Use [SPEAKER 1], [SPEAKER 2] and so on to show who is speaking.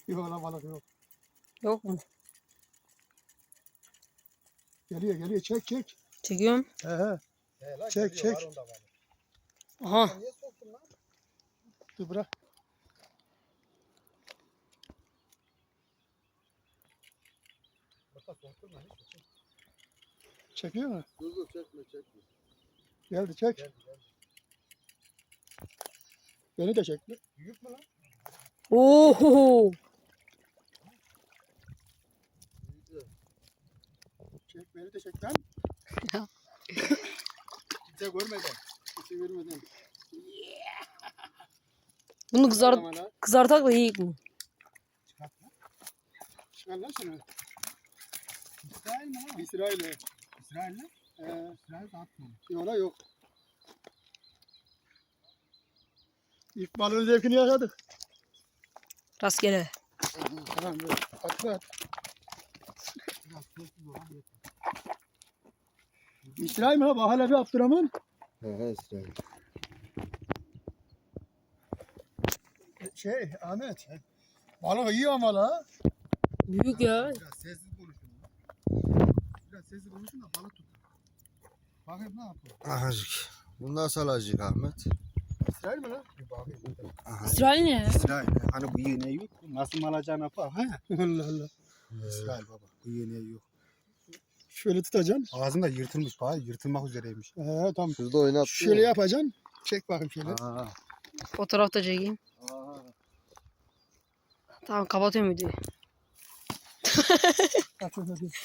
[SPEAKER 1] Yok lan balık yok.
[SPEAKER 2] Yok mu?
[SPEAKER 1] Geliyor çek çek.
[SPEAKER 2] Çekiyorum.
[SPEAKER 1] He. Çek çek.
[SPEAKER 2] Aha.
[SPEAKER 3] Niye soktun lan?
[SPEAKER 1] Dur bırak.
[SPEAKER 3] Bak soktun lan.
[SPEAKER 1] Çekiyor mu?
[SPEAKER 3] Dur çekme.
[SPEAKER 1] Geldi çek.
[SPEAKER 3] Geldi.
[SPEAKER 1] Beni de çekti.
[SPEAKER 3] Büyük mü lan?
[SPEAKER 2] Oho.
[SPEAKER 1] Çek beni de çek lan.
[SPEAKER 3] Kimse görmeden.
[SPEAKER 1] Kimse görmeden.
[SPEAKER 2] Bunu
[SPEAKER 1] Tamam lan.
[SPEAKER 2] kızartak da yiyik mi?
[SPEAKER 1] Çıkar lan şunu.
[SPEAKER 3] İsrail mi lan?
[SPEAKER 1] İsrail'e.
[SPEAKER 3] İsrail mi? İsrail de atma.
[SPEAKER 1] Yola yok. İlk balığın zevkini yaşadık.
[SPEAKER 2] Rastgele.
[SPEAKER 1] Tamam dur. Atla at.
[SPEAKER 3] Biraz sessiz ol.
[SPEAKER 1] İsrail mi ha? Bak hala bir Abdurrahman.
[SPEAKER 3] He İsrail.
[SPEAKER 1] Ahmet. Balık iyi ama la.
[SPEAKER 2] Büyük ya.
[SPEAKER 3] Biraz sessiz konuşun. Biraz sessiz konuşun da balık tut. Bakayım ne yapıyor?
[SPEAKER 4] Ahacık. Bu nasıl alacak Ahmet?
[SPEAKER 1] İsrail mi la?
[SPEAKER 3] Bir bakayım.
[SPEAKER 4] Aha.
[SPEAKER 2] İsrail ne ya?
[SPEAKER 4] İsrail. Hani bu iğne yok.
[SPEAKER 3] Nasıl alacağını bak ha?
[SPEAKER 1] Allah Allah.
[SPEAKER 3] İsrail baba. Bu iğne yok.
[SPEAKER 1] Şöyle tutacaksın.
[SPEAKER 3] Ağzında yırtılmış bak. Yırtılmak üzereymiş.
[SPEAKER 1] Tamam.
[SPEAKER 4] Şurada oynattı.
[SPEAKER 1] Şöyle yapacaksın. Çek bakayım şöyle.
[SPEAKER 3] Aa.
[SPEAKER 2] Fotoğraf da çekeyim. Tamam kapatıyorum videoyu.
[SPEAKER 1] Hadi.